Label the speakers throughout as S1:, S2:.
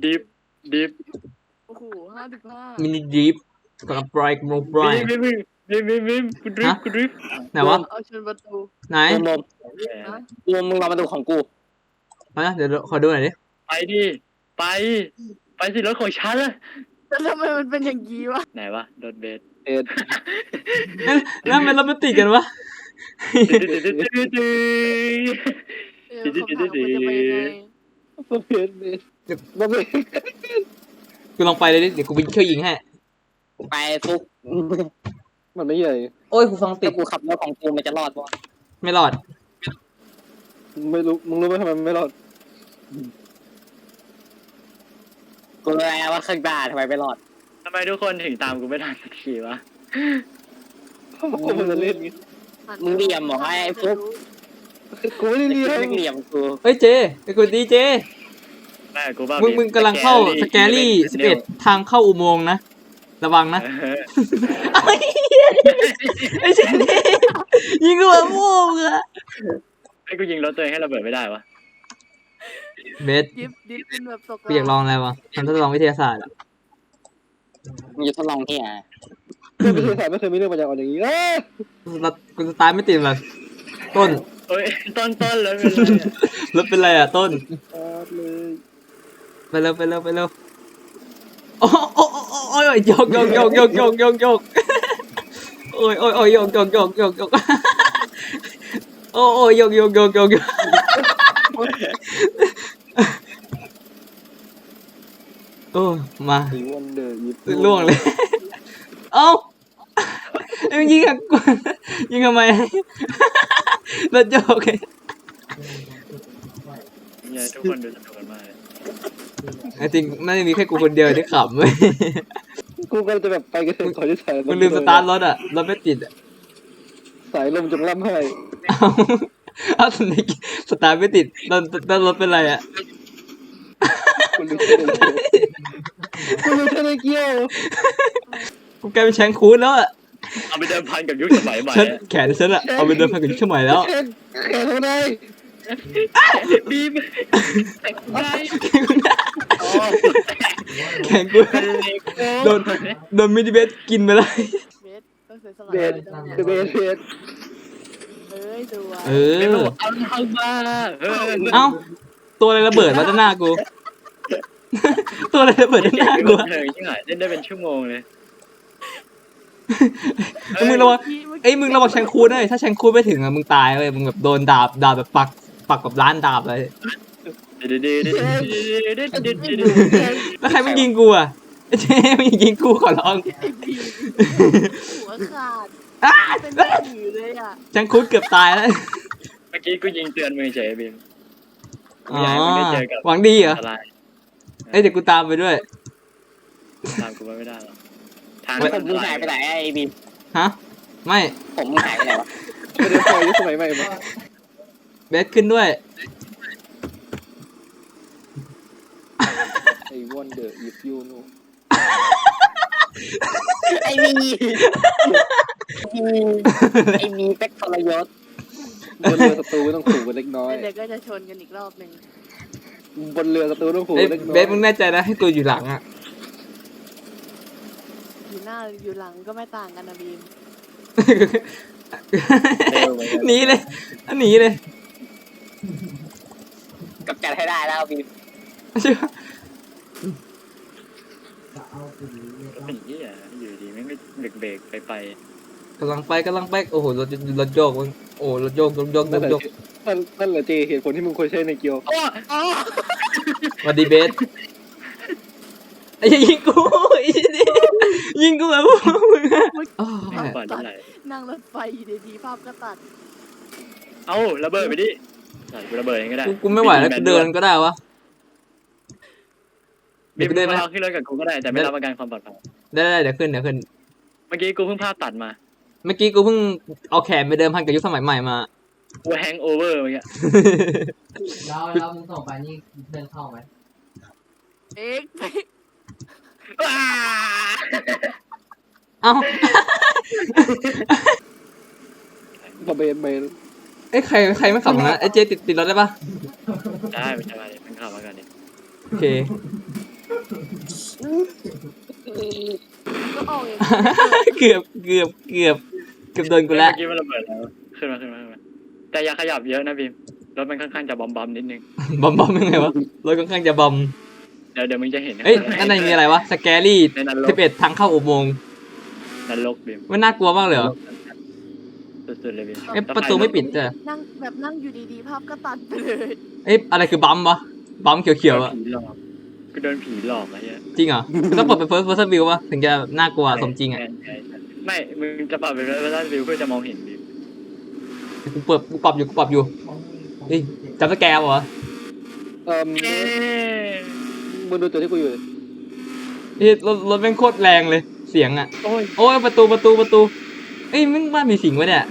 S1: ดิฟดิฟ
S2: โอ้โห55
S3: มินิดิฟกับปลายโมปลาย
S1: บิมกูดริฟกูดริฟ
S3: ไหนวะ
S2: เอาชนประตู
S3: ไหน
S4: นมมึงรอมาดูของกู
S3: มาเดี๋ยวขอดูหน่อยดิ
S1: ไปดิไปสิรถของฉันละ
S2: แต่ทำไมมันเป็นอย่างนี้วะ
S1: ไหนวะรถเบส
S3: แล้วมันเราไม่ติดกันวะ
S2: คำถามมันจะไปยังไง
S4: บ่เป็น
S3: กูลองไปเลยดิเดี๋ยวกูไปช่วยยิงให้
S4: ไปฟุกมันไม่ใหญ่
S3: โอ้ยกูฟังติ
S4: ถ้า
S3: ด
S4: กูขับรถของกูมันจะรอดปะ
S3: ไม่รอด
S4: ไม่รู้มึงรู้ไหมทำไมมันไม่รอดกูรู้แล้วว่าข้างหน้าทำไมไม่รอด
S1: ทำไมทุกคนถึงตามกูไม่ทันสักทีวะ
S4: กูมันจะเล่นมึงเหลี่ยมเหรอไอ้ฟุกกูไม่ได้เหลี่ยมเหลี่ยมกู
S3: เฮ้ยเจไอ้กูดีเจ
S1: แม่กูบ้า
S3: มึงกำลังเข้าสแกรี่11ทางเข้าอุโมงค์นะระวังนะไอ้เจนี่ยิงกูแบบโม่มึงอะ
S1: ไอ้กูยิงรถตัวเองให้ระเบิดไม่ได้วะ
S3: เบส
S2: ดิฟเป็นแบบตก
S3: กูอยากลองอะไรวะทำทดลองวิทยาศาสตร์อะ
S4: มึงจะทดลองที่ไหน
S5: ไม่เคยถ่ายไม่เคยมีเรื่องปัญญาอ่อนอย่างนี้
S3: กูสตาร์ทไม่ติดเลยต้น
S1: เอ้ยต้นเลย
S3: รถเป็นไรอะต้น
S5: เลย
S3: ไปเร็วโอ้โอ้ยโยกโอ้ยโยกโอ้ยโยกโอ้มา
S5: สีวันเดอร์ยิบ
S3: ล่วงเลยเอ้ามึงยิงกับกูยิงทำไมรถโยกไง
S1: เนี่ยทุกคนดูสนุกกันมากเลย
S3: จริงน่าจะมีแค่กูคนเดียวที่ขำเว้ย
S5: กูก็จะแบบไปกันขอที่ถ่าย
S3: มึงลืมสตาร์ทรถอะรถไม่ติดอะ
S5: สายลมจงล่ำให้
S3: เอาสตาร์ทไม่ติดรถเป็นไรอะ
S5: คุณลืมเทนเกียว
S3: กูกลายเป็นแชงคูนแล้วอะ
S1: เอาไปเดิมพันกับยุคสมัยใหม่
S3: แขนฉันอะเอาไปเดินพันกับยุคสมัยแล้ว
S5: แข่งเท่าไหร่
S1: บีมได้
S3: แขนกูโดนมินิเบสกินไปเลย
S2: เบสก็เสียสละ
S5: เบสเบสเบส
S2: เอ้ยดูว่ะ
S3: เอ
S1: เป็น
S3: อ
S1: ระบบเอาทางมา
S3: เอ้าตัวอะไรระเบิดมาด้านหน้ากู ตัวอะไรระเบิดด้านหน้ากู
S1: เธอยิ่งหายเล่นได้เป็นชั่วโมงเลย
S3: มึงระวังมึงระวังแชงคูนเลยถ้าแชงคูนไม่ถึงอะมึงตายเลยมึงแบบโดนดาบแบบปักแบบร้านดาบเลยแล้วใครมันยิงกูอะเจ๊มันยิงกูขอร้อง
S2: หัวขาดเป็นผีเลยอ่ะ
S3: แชงคูนเกือบตายแล้ว
S1: เมื่อกี้กูยิงเตือนมึงเฉยบีม
S3: อ๋อ
S1: อยากให้มึงได้เจอกับ
S3: หวังดีเหรอ
S1: อะไร
S3: เดี๋ยวกูตามไปด้วย
S1: ตามกูไม่ได้หรอกทาง
S4: ผมมึงหายไปไหนไอ้บีม
S3: ฮะไม่
S4: ผมมึงหายไปไหนวะ
S5: ไม่ได้พอยุคสมัยใหม่มา
S3: เบสขึ้นด้วย
S5: ไอ้วันเดอร์ยิบยูนู
S4: ไอ้มีไอ้มีเป็กทรยศ
S5: บนเรือศัตรูต้องขู่กันเล็กน้อย
S2: เดี๋ยวก็จะชนกันอีกรอบหนึ่ง
S5: บนเรือศัตรูต้องขู่
S3: เอ้ย
S5: เล็กน้อย
S3: เบสมึงแน่ใจนะให้กูอยู่หลังอ่ะ
S2: อยู่หน้าอยู่หลังก็ไม่ต่างกันนะบีม
S3: หนีเลยหนีเลย
S4: กับจัดให้ได้แล้วบีม
S3: ใช่ปะ
S1: เป็นยี่อ่ะอยู่ดีไม่เบรกไป
S3: กำลังไปโอ้โหรถโยกมึงโอ้รถโยก
S5: นั่นแหละเจเหตุผลที่มึงควรใช้ในเกียว
S3: สวัสดีเบสไอ้ยิงกูไอ้นี่ยิงกูแบบมึงอ๋อ
S1: ก่อนที่ไหน
S2: นั่งรถไฟอยู่ดีๆภาพก็ตัด
S1: เอ้าระเบิดไปดิกูระเบิดเองก็ได้
S3: กูไม่ไหวแล้วกูเดินก็ได้วะ
S1: บีมมาเอาขึ้นรถกับกูก็ได้แต่ไม่รับประกันความปลอดภัย
S3: ได้เดี๋ยวขึ้น
S1: เมื่อกี้กูเพิ่งภาพตัดมา
S3: เมื่อกี้กูเพิ่งเอาแขนไปเดิมพันกับยุคสมัยใหม่มา
S1: กูแฮงโอเวอร์เมื่อกี้
S6: แล้วมึงส่งไปนี่เพื่อนเข้าไหม
S2: เอ๊ะ
S3: เอ้า
S5: พอเบสไป
S3: ไอ้ใครไม่ขับนะไอ้เจติดรถได้ปะ
S1: ได้ไม่ใช่มาเลยมันขับมากันดิ
S3: โอเค
S2: ก็ออกอย่าง
S3: เกือบโดนกูแล้ว
S1: เมื่อกี้มันระเบิดแล้วขึ้นมาแต่อย่าขยับเยอะนะบีมรถมันค่อนข้างจะบอมนิดนึง
S3: บอมยังไงวะรถค่อนข้างจะบอม
S1: เดี๋ยวมึงจะเห็น
S3: เอ้ยข้างในมีอะไรวะสแกรี่
S1: ในนรก
S3: 11ทางเข้าอุโมงค์
S1: นรกบีม
S3: มันน่ากลัวมากเลยเหรอ
S1: สุดๆเลยบีม
S3: เอ้ยประตูไม่ปิดจ้ะ
S2: นั่งอยู่ดีๆภาพก็ตัดไปเลย
S3: เอ้ยอะไรคือบัมวะบัมเขียวๆอะ
S1: ผีหลอกกูโดนผีหลอกอะไรเงี้ย
S3: จริงเหรอต้องเปิดเป็น first person view ป่ะถึงจะน่ากลัวสมจริงอ่ะ
S1: ใช่ไม่มึงจะปรับเป็นระดับวิวเพื่อจะมองเห็นบีม
S3: กูปรับอยู่เฮ้ยจำสแกร์เหรอ
S5: มึงดูตัวที่กูอยู่เลย
S3: เฮ้ยรถแม่งโคตรแรงเลยเสียงอ่ะ
S1: โอ้ย
S3: โอ้ยประตูเอ้ยมึงว่ามีสิงวะเนี่ย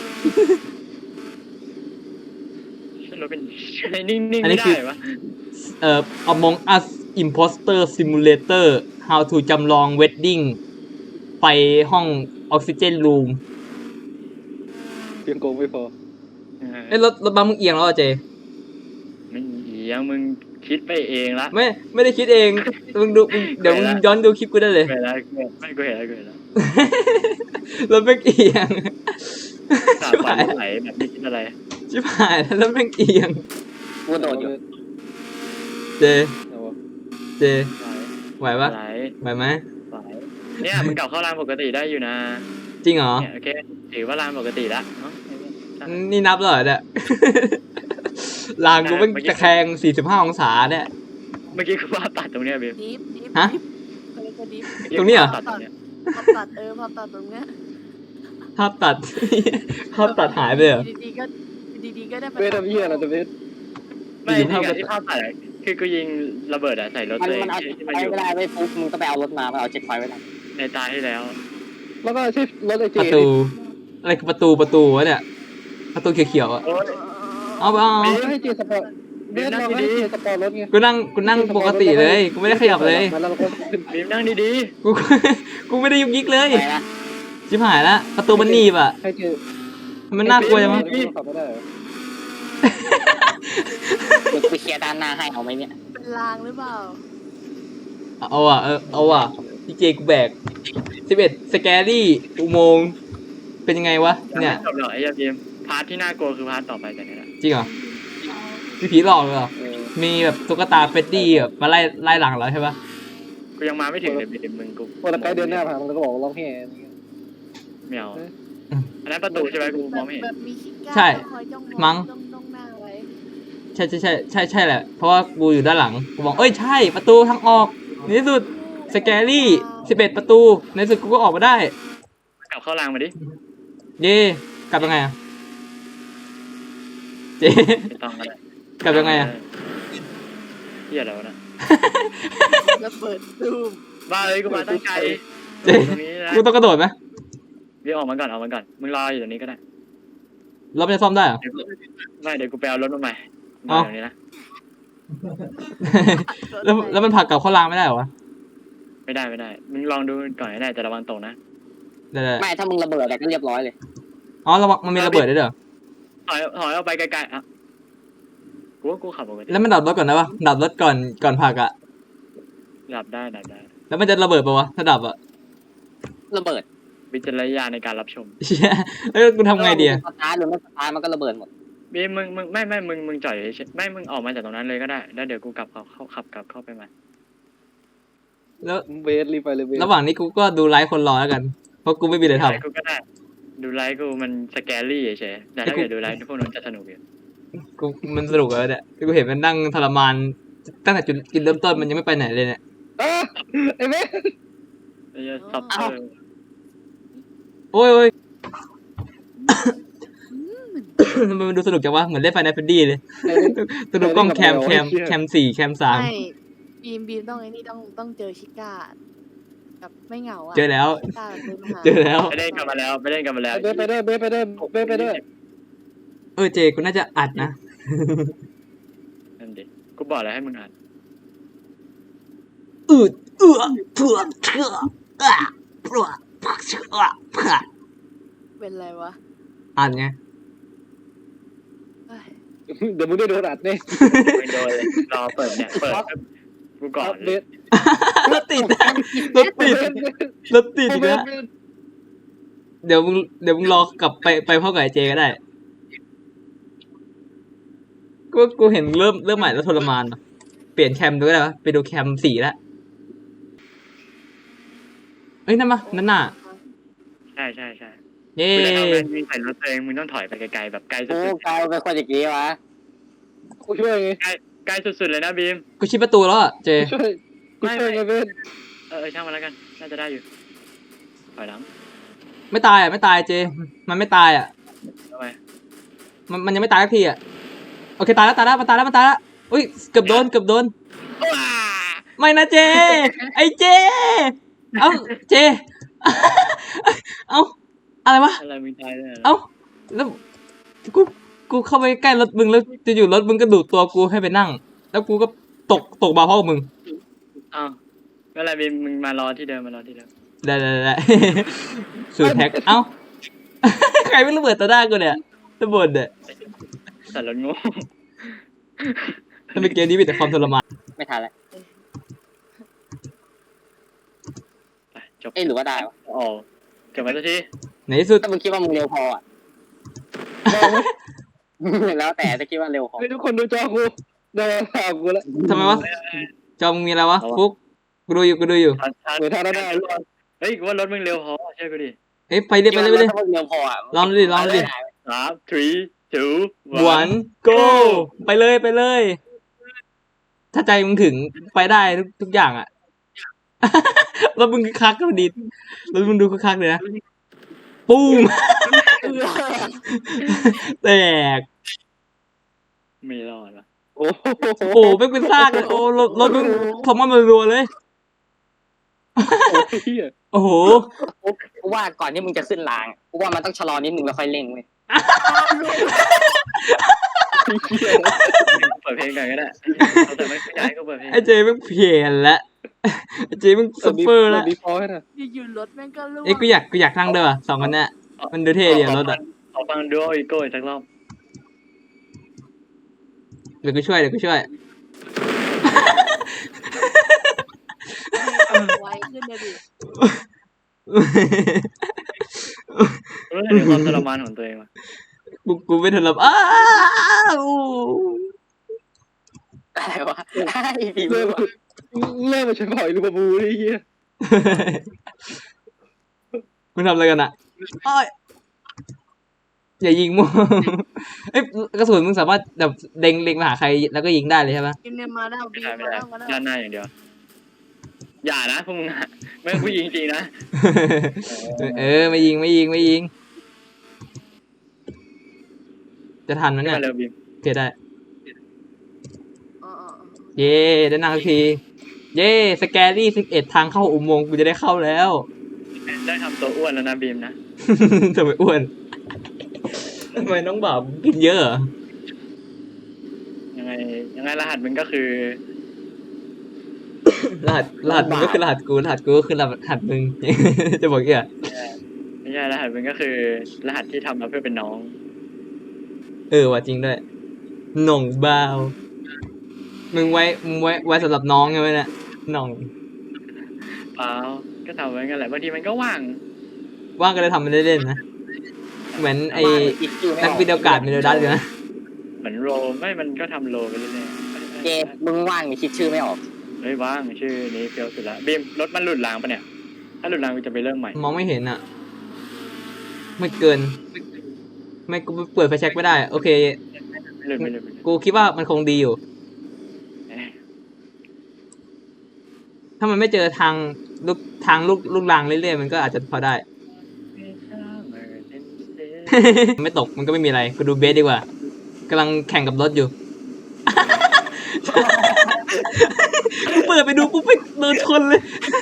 S1: รถเป็นนิ่งๆไม่ได้วะ
S3: Among Us Imposter Simulator How to จำลอง Wedding ไปห้อง Oxygen Room
S5: เพียงโกงไม่พอ
S3: เอ้ยรถบัมมึงเอียงแล้วอ่ะเจ
S1: ไม่เอียงมึงคิดไปเองละ
S3: ไม่ได้คิดเองเดี๋ยวมึงย้อนดูคลิปกูได้เลย
S1: เห็นแล้วไม่กูเห็นแล้ว
S3: รถแม่งเอียง
S1: สา
S3: ชิบ
S1: ฝั
S3: หาน ย
S1: ไหลแบบนี้คิดอะไร
S3: ชิบหายแล้วรถแม่งเอียง
S4: กูโดดอยู่
S3: เจ
S5: เอาวะ
S3: ไหวปะ
S1: ไหล
S3: ไหวไหม
S1: เนี่ยมึงกลับเข้ารางปกติได้อยู่นะ
S3: จริงเหรอ
S1: เนี่ยโอเคถือว่ารางปกติละเนาะ
S3: นี่นับแล้วเหรอเนี่ย ลางกูเป็นตะแคง45 องศาเนี่ย
S1: เมื่อกี้กูว่าตัดตรงเนี้ยบีม
S2: ดิฟ
S3: ฮะ
S2: ก็เลยก็ดิฟ
S3: ตรงนี้เหรอ
S1: ตัดตรงเนี้ย
S2: ภาพตัดภาพตัดตรงเนี้ย
S3: ภาพตัด ภาพตัดหายไปเลยเหรอ
S2: ดีๆก็ได้
S5: เบสทำเหี้ยอะไรตัวเบส
S1: ไม่จริงๆที่ภาพตัดอะคือกูยิงระเบิดอะใส่รถ
S4: มัน
S1: ตัวเอง
S4: มันเอา
S1: ที่
S4: ไป
S1: มันอยู่
S4: ไม่ได้ไม่ปุ๊บมึงก็ไปเอารถมามันเอาเจ็ตไฟไว้แล้ว
S1: ในตาที่แล้ว
S5: แล้วก็ใช่รถไอเจ
S3: ประตู อะไรคือประตูวะเนี่ย ประตูเขียวๆอ่ะ
S1: โอ้ย
S3: เอา
S5: ให้เจสปอร์ตเบสเราให้เจสปอร์ตรถไง
S3: กูนั่งปกติเลย กูไม่ได้ขยับเลย
S5: แล้วเราก็ขึ้น
S1: บีมนั่งดี
S3: กูไม่ได้ยุกยิกเลย
S4: ไปนะ
S3: ชิบหายละประตูมันหนีบอ่ะ
S5: ให้เจ
S3: มันน่ากลัวจังวะ
S5: ขับไม่ได้เหรอ
S4: เดี๋ยวไปเคลียร์ด้านหน้าให้เอาไหมเนี่ย
S2: เป็นลางหรือเปล่า
S3: เอาอ่ะพี่เจกูแบก11สแกรี่อุโมงค์เป็นยังไงวะ
S1: ๆ
S3: เนี่ย
S1: จบหรอกไอ้ยาบีมพาร์ทที่น่ากลัวคือพาร์ทต่อไปจากนี้แหละ
S3: จริงเหรอมีผีหลอกเลยเหรอ มีแบบตุ๊กตาเฟดดี้แบบมาไล่หลังเราใช่ปะ
S1: กูยังมาไม่ถึงเลยบีมมึงกู
S5: พอตะไคร้เดินหน้าผ่านมันก็บอกร้องแห่
S1: ไม่เอาอันนั้นประตูใช่ไหมกูมองไม่เห็น
S2: แบบมีขี้กา
S3: ใช่
S2: คอยจ้อง
S3: มั้ง
S2: จ้องหน้าไว้
S3: ใช่แหละ เพราะว่ากูอยู่ด้านหลัง กูบอกเอ้ยใช่ประตูทางออกในที่สุดสแกรี่11ประตูในที่สุดกูก็ออกมาได้
S1: กลับเข้ารางมาดิ
S3: เย่กลับยังไงอะเจ
S1: ไม่ต้องก็ได้
S3: กลับยังไงอะ
S1: เฮียแล้วะนะ
S2: แล้วเปิดซูม
S1: บ้าเลยกูมาตั้งใจ
S3: เจ
S1: ตรงนี้นะ
S3: กูต้องกระโดดไหม
S1: บีมออกมาก่อนมึงรออยู่ตรงนี้ก็ได้
S3: รถมันจะซ่อมได้เหรอ
S1: ไม่เดี๋ยวกูไปเอารถมาใหม่
S3: เอ้า
S1: ตรงนี้นะ
S3: แล้วมันผลักกลับเข้ารางไม่ได้เหรอวะ
S1: ไม่ได้มึงลองดูก่อนก็ได้แต่ระวังตกนะ
S3: ได้
S4: ไม่ถ้ามึงระเบิดอะไรก็เรียบร้อยเลย
S3: อ๋อระวังมันมีระเบิดด้วยเหรอ
S1: ถอยออกไปไกลๆอ่ะกูว่ากูขับปกติ
S3: แล้วมันดับรถก่อนนะวะดับรถก่อนผลักอะ
S1: ดับได้
S3: แล้วมันจะระเบิดปะวะถ้าดับอะ
S4: ระเบิด
S1: วิจารณญาณในการรับชม
S3: เชี่ยแล้วกูทำไงดีอะ
S4: สตาร์ทหรือไม่สตาร์ทมันก็ระเบิดหมด
S1: บีมมึงไม่มึงจอดอยู่เฉยๆไม่มึงออกมาจากตรงนั้นเลยก็ได้แล้วเดี๋ยวกูกลับขับกลับเข้าไปใหม่
S3: แล้ว
S5: เบสรีบไปเลยเบส
S3: ระหว่างนี้กูก็ดูไลฟ์คนรอแล้วกัน เพราะกูไม่มีอะไรท
S1: ไลฟ์กูก็ได้ดูไลฟ์กูมันสแกรี่เฉยๆแต่ถ้าเกิดดูไลฟ์พวกนั้นจะสนุกอยู่
S3: ำกูมันสนุกเลยเนี่ยกูเห็นมันนั่งทรมานตั้งแต่จุดเริ่มต้นมันยังไม่ไปไหนเลยเนี่ย
S5: ไอ้เบส
S1: ไอ้เหี้ยซับเตอร์
S3: โอ้ย มันดูสนุกจังวะเหมือนเล่นไฟนอลแฟนดี้เลยตัวดูกล้องแคม4แคม
S2: ไม่บีมต้องไอ้นี่ต้องเจอชิก้าแบบไม่เหงาอ่ะ
S3: เจอแล้ว
S2: ชิก้าเดินมาหา
S3: เจอแล้ว
S1: ไปเล่นกันมาแล้ว
S5: เบสไปด้วยเบสไปด้วย
S3: เจกูน่าจะอัดนะ
S1: นั่นดิกูบอกแล้วให้มึงอ่าน
S3: เพื่อเชื่อเพื่อเชื่อ
S2: เป็นไรวะ
S3: อ่านไง
S2: เอ้ย
S5: เดี๋ยวมึงได้โดนอัดแน่
S1: ไม่โดนเลยรอเปิดเนี่ยเปิดกูก่อน
S5: เบ
S1: เลย
S5: ส
S3: รถติดรถติดรถติดอีกแล้วเดี๋ยวมึงรอกลับไปพ่อกับไอ้เจก็ได้กูเห็นเริ่มใหม่แล้วทรมานว่ะเปลี่ยนแคมดูก็ได้ปะไปดูแคม4แล้วเอ้ยนั่นมานั่นน่ะ
S1: ใช่ใช่ใช่
S3: เย้
S1: กูจะทำงานยิงใส่รถตัวเองมึงต้องถอยไปไกลๆแบบไกลสุ
S4: โอ้
S1: ด
S4: กลายเป็นคนอย่างนี้วะ
S5: กูช่วยไง
S1: ๆไกลสุดๆเลยนะบีม
S3: กูชิดประตูแล้วอ่ะเจ
S5: กูช่วยไงเบส
S1: ช่างมันแล้วกันน่าจะได้อยู่ถอยหลัง
S3: ไม่ตายอ่ะไม่ตายเจ มันไม่ตายอ่ะ
S1: ทำไม
S3: มันยังไม่ตายสักทีอ่ะโอเคตายแล้วมันตายแล้วอุ้ยเกือบโดน
S1: ว้า
S3: ไม่นะเจ ไอเจ เอ้าเจ เอ้าอะไรวะ
S1: อะไรมึงตายเลย
S3: เอ้าแล้วกูเข้าไปใกล้รถมึงแล้วจะอยู่รถมึงก็ดูดตัวกูให้ไปนั่ง แล้วกูก็ตกมาเพราะมึง
S1: อ้าวก็อะไรบีมมึงมารอที่เดิม
S3: ได้ สูตรแท็กเอ้า ใครไม่ระเบิดต่อหน้ากูเนี่ยระเบิดเนี่ย
S1: แต่รถโง่
S3: ถ้าเป็นเกมนี้มีแต่ความทรมาน
S4: ไม่ทันแล้ว
S1: ไปจบ
S4: เอ้หรือว่าได้วะ
S1: อ๋อจบไปสักที
S3: ในที่สุด
S4: ถ้ามึงคิดว่ามึงเร็วพออ่ะแล้วแต่ถ้าคิดว่าเร็วพอ
S5: ให้ทุกคนดูจอกูได้ข่าวกูแล้ว
S3: ทำไมวะจอมึงมีอะไรวะฟุกกูดูอยู่
S5: เหมือนทางได้
S1: เฮ้ยกูว่ารถมึงเร็วพอเชื่อกูดิ
S3: เอ้ยไปเลย
S4: ถ้ามึงเร็วพออ่ะ
S3: ลองดูดิ
S1: 3 3 2
S3: 1 go ไปเลย ถ้าใจมึงถึงไปได้ทุกอย่างอ่ะ แล้วมึงคือคักก็ดีแล้วมึงดูคือคักเลยนะปุ้ม แตก
S1: ไม่รอดวะ
S5: โอ้โห
S3: โอ้ไม่เป็นซากเลยโอ้รถมึงทอมมันรัวเลย
S5: เฮีย
S3: โอ้โห
S4: กูว่าก่อนที่มึงจะขึ้นรางกูว่ามันต้องชะลอนิดนึงแล้วค่อยเร่งเว้ย
S1: เปิดเพลงกันก็ได้แต่ไม่อยากให้กูเปิดเพลง
S3: ไอ้เจมึงเพี้ยนละไอ้เจมึงซัฟเฟอร์ละ
S5: ดีพอให้นะ
S2: อยู่ๆรถแม่งก็ล่วง
S3: เอ้ยกูอยากนั่งด้วยว่ะ2 คนเนี้ยมันดูเท่ดีอะรถอ่ะ
S1: ขอฟังดูอีโก้อีกสักรอบ
S3: เดี๋ยวกูช่วย
S2: ไวขึ้นเลยดิ
S1: รู้สึกถึงความทรมานของตัวเองว่ะ
S3: กูไม่ทันรับอ้าว
S4: อะไรวะไอ้ผี
S5: เริ่มมาใช้ผ่อยลูกบูนี่เฮีย
S3: มึงทำอะไรกันอ่ะอ้อยอย่ายิงมั่วเอ้ยกระสุนมึงสามารถแบบเล็งมาหาใครแล้วก็ยิงได้เลยใช่ปะ
S2: กินเนี่ยมาแล้ว
S1: ไม่
S2: บี
S1: ได้
S2: ม
S1: ไม่
S2: มา
S1: ได้
S2: แล้วมาแล้ว
S1: ด้านหน้าอย่างเดียวอย่านะพวกมึงอะไม่ผู้หญิงจริงนะ
S3: ไม่ยิงจะทันไหม
S1: ไม่
S3: เนี่ย
S1: มาเร็วบีม
S3: โอเคได้
S2: อ๋อ
S3: เย้ได้นั่งสักที เย้สแกรี่11ทางเข้าอุโมงค์กูจะได้เข้าแล้ว
S1: ได้ทำตัวอ้วนแล้วนะบีมนะ
S3: ทำไมอ้วนทำไมน้องบ่าวกินเยอะเหรอ
S1: ยังไงรหัสมึงก็คือ
S3: รหัสมึงก็คือรหัสกูก็คือรหัสมึง จะบอกอีกอ่ะ
S1: ไม่ใช่รหัสมึงก็คือ รหัสที่ทำมาเพื่อเป็นน้อง
S3: ว่าจริงด้วยหน่องบ่าวมึงไว้สำหรับน้องใช่ไหมเนี่ยหน่อง
S1: เปล่าก็ทำไว้กันแหละบางทีมันก็ว่าง
S3: ว่างก็เลยทำมันเล่นๆนะเหมือนไอ้นักวิดีโอกาสมิโลดัสเลยนะ
S1: เหมือนโรไม่มันก็ทำโรไปเรื่อย
S4: เจมึงว่างคิดชื่อไม่ออก
S1: ๆเฮ้ยว่างชื่อนี้เฟี้ยวสุดละบีมรถมันหลุดรางปะเนี่ยถ้าหลุดรางกูจะไปเริ่มใหม่
S3: มองไม่เห็นอ่ะ ไม่เกิน ไม่กูเปิดไฟแช็กไม่ได้ โอเค
S1: ไม่หลุด
S3: กูคิดว่ามันคงดีอยู่ ถ้ามันไม่เจอทางลูกรางเรื่อยๆมันก็อาจจะพอได้ ไม่ตกมันก็ไม่มีอะไรกูดูเบสดีกว่ากำลังแข่งกับรถอยู่ กูเปิดไปดูปุ๊บไปโดนชนเลย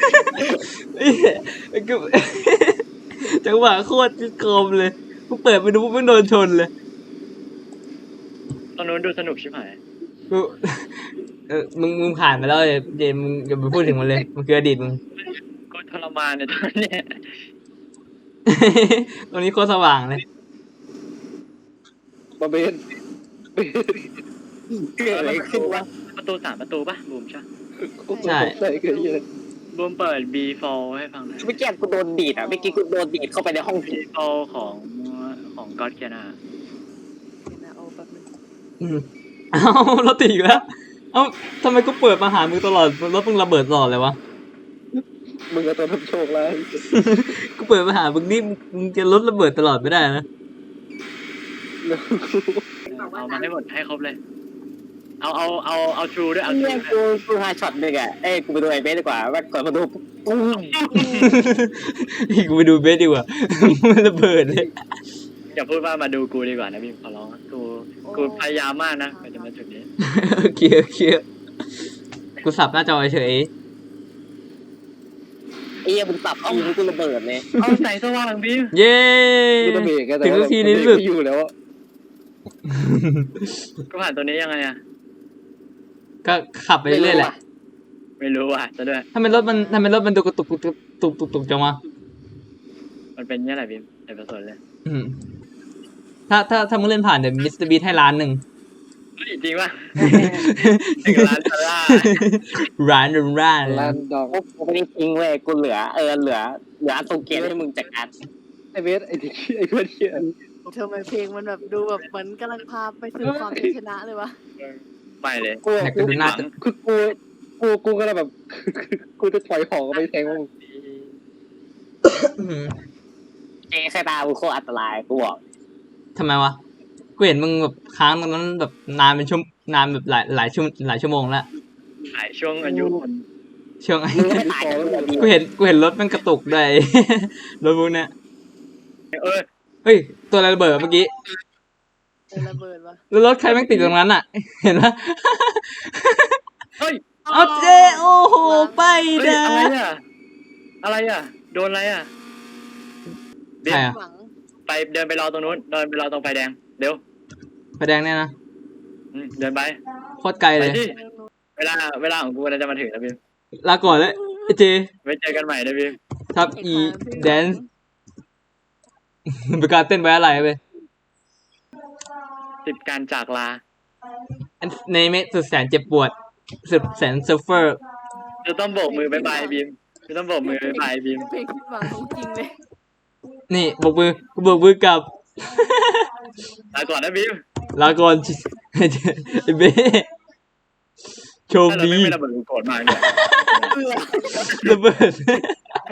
S3: กูจังหวะโคตรโคมเลยกูเปิดไปดูปุ๊บไม่โดนชนเลย
S1: ตอนนู้นดูสนุกชิบหาย
S3: กูมึงผ่านไปแล้วเจมมึงอย่าไปพูดถึงมันเลยมันคืออดีตมึง
S1: กูทรมานเนี่ยตอนเนี้ย
S3: ตรงนี้โคตรสว่างเลย
S5: มาเบน
S4: เกิดอะไรขึ้นวะ
S1: ประตู3 ประตูปะบูมใช่
S3: ใช่
S5: ใส่เกินเลย
S1: บูมเปิด B4 ให้ฟังหน่อย
S4: เมื่อกี้กูโดนดีดอ่ะเมื่อกี้กูโดนดีดเข้าไปในห้องผี
S1: B4 ของก็อดเกียนา
S2: เดี๋ยวนะเอาแป๊บนึง
S3: เอ้ารถติดอีกแล้ว เอ้าทำไมกูเปิดมาหามึงตลอดรถมึงระเบิดตลอดเลยวะ
S5: มึงก็ตัวทำโชคร้าย
S3: กูเปิดมาหามึงนี่มึงจะรถระเบิดตลอดไม่ได้นะ
S1: เอามาให้หมดให้ครบเลย เอาทรูด้วยเอาทรู
S4: เนี่ยกูหาช็อตหนึ่งอ่ะเอ้ยกูไปดูไอ้เบสดีกว่าว่าก่อนมาดูปุ้ง
S3: กูไปดูเบสดีกว่า มันระเบิดเลย
S1: อย่าพูดว่ามาดูกูดีกว่านะพี่ขอร้องกูพยายามมากนะกว่าจะมาจุดนี้
S3: โอเคโอเคกูสับหน้าจอเฉย
S4: ไอ้เหี้ยมึงปรับทีมึงกูระเบิดเลย
S1: เอาใส่สว่างพี่
S3: เย้
S5: กูต้องเบรกกันแต่
S3: ถึง
S5: ว่า
S3: นาทีนี้สุด
S5: ไม่อยู่แล้ว
S1: กูผ่านตัวนี้ยังไงอะ
S3: ก็ขับไปเรื่อยๆแหละ
S1: ไม่รู้ว่ะจะด้วย
S3: ทำไมรถมันดูกระตุกตุกจังวะ
S1: มันเป็นเนี่ยแหละพี่ในประสนเลย
S3: อืมถ้ามึงเล่นผ่านเดี๋ยวมิสเตอร์บีให้ล้านหนึ่ง
S1: เฮ้ยจริงป่ะ1 ล้านดอลลาร์
S3: ร้าน
S5: ร้านดอง
S4: กูไม่ได้ทิ้งเว้ยกูเหลือเหลืออันโตเกียให้มึงจัดการ
S5: ไอเบสไอที่ไอเพื่อนเชี่ย
S2: ทำไมเพลงมันแบบดูแบบเหมือนกำลังพาไปสู่ความเป็นชนะเลยวะ
S1: ไปเลย
S5: กู
S3: อยากจะดูหน้าจะ
S5: คือกูก็เลยแบบ กูจะถอยของไปแทงมึง
S3: อืม
S4: เจ๊สายตามึงโคตรอันตรายกูบอก
S3: ทำไมวะ กูเห็นมึงแบบค้างตรงนั้นแบบนานเป็นนานแบบหลายชั่วโมงแล้ว
S1: หายช่วงอายุคน
S3: ช่วง
S4: มึงก็ไม่ตายกันแบบนี้
S3: กูเห็นรถมันกระตุกด้วย รถพวกเนี้ย
S1: เออ
S3: เฮ้ย ตัวอะไรระเบิดเมื่อกี้
S2: เจอระเบิดวะ
S3: แล้วรถใครแม่งติดตรงนั้นอ่ะ เห็นปะ
S1: เฮ้ย
S3: เอาเจโอ้โห ไป
S1: เฮ้ย
S3: นะ
S1: อะไรอ่ะโดนอะไรอ่ะ
S3: ใครอ่ะ
S2: หวัง
S1: ไปเดินไปรอตรงนู้นเดินไปรอตรงไฟแดงเดี๋ยว
S3: ไฟแดงเนี่ยนะ
S1: เดินไป
S3: โคตรไกล
S1: ไป
S3: เลย
S1: ที่เวลาของกูน่าจะมาถึงแล้วพี่
S3: ลาก่อนแล้วไอ้เจ
S1: ไว้เจอกันใหม่นะพี่
S3: ทับอีแดนซ์เป็นการเต้นไว้อะไรไป
S1: 10 การจากลา
S3: ในเมสุดแสนเจ็บปวดสุดแสนเซิร์ฟเฟอร์
S1: จะต้องโบกมือบายบายบีมจะต้องโบกมือบายบายบีม
S2: เพลงที่หวังของจริงเลย
S3: นี่โบกมือกับ
S1: ลาก่อนนะบีม
S3: ลาก่อน ไอ้เบ้โชค
S1: ถ้าเรา
S3: ดี
S1: ไม่ระเบิดกูโกรธมากเลย
S3: ระเบิด